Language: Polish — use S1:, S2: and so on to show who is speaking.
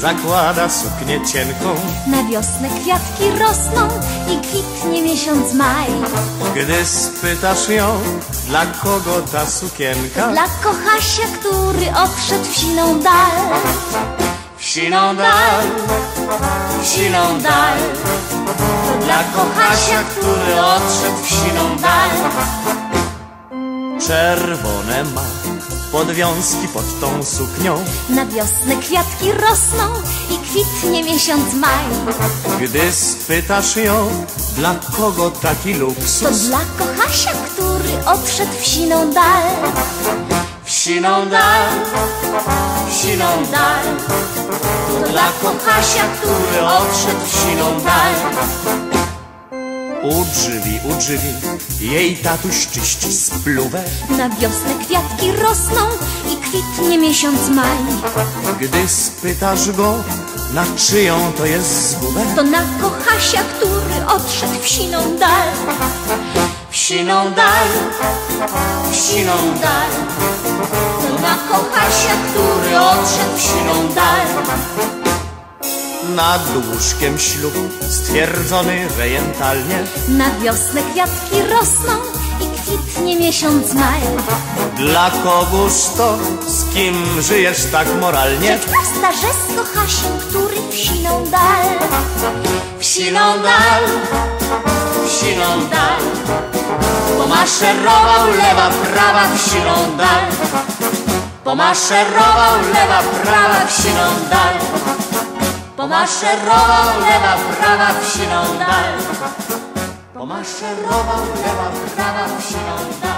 S1: zakłada suknię cienką.
S2: Na wiosnę kwiatki rosną i kwitnie miesiąc maj.
S1: Gdy spytasz ją, dla kogo ta sukienka?
S2: Dla kochasia, który odszedł w siną dal.
S1: W siną dal, w siną dal. To dla kochasia, który odszedł w siną dal. Czerwone ma podwiązki pod tą suknią.
S2: Na wiosnę kwiatki rosną i kwitnie miesiąc maj.
S1: Gdy spytasz ją, dla kogo taki luksus?
S2: To dla kochasia, który odszedł w siną dal.
S1: W siną dal, w siną dal. To dla kochasia, który odszedł w siną dal. U drzwi, jej tatuś czyści spluwę.
S2: Na wiosnę kwiatki rosną i kwitnie miesiąc maj.
S1: Gdy spytasz go, na czyją to jest zgubę?
S2: To na kochasia, który odszedł w siną dal.
S1: W siną dal, w siną dal. To na kochasia, który odszedł w siną dal. Nad łóżkiem ślub stwierdzony rejentalnie.
S2: Na wiosnę kwiatki rosną i kwitnie miesiąc maj.
S1: Dla kogóż to, z kim żyjesz tak moralnie?
S2: Rzecz prosta, że z kochasiem, który w siną dal.
S1: W siną dal, w siną dal. Pomaszerował lewa, prawa w siną dal. Pomaszerował lewa, prawa w siną dal. Pomaszerował lewa, prawa w siną dal. Pomaszerował lewa, prawa w siną dal.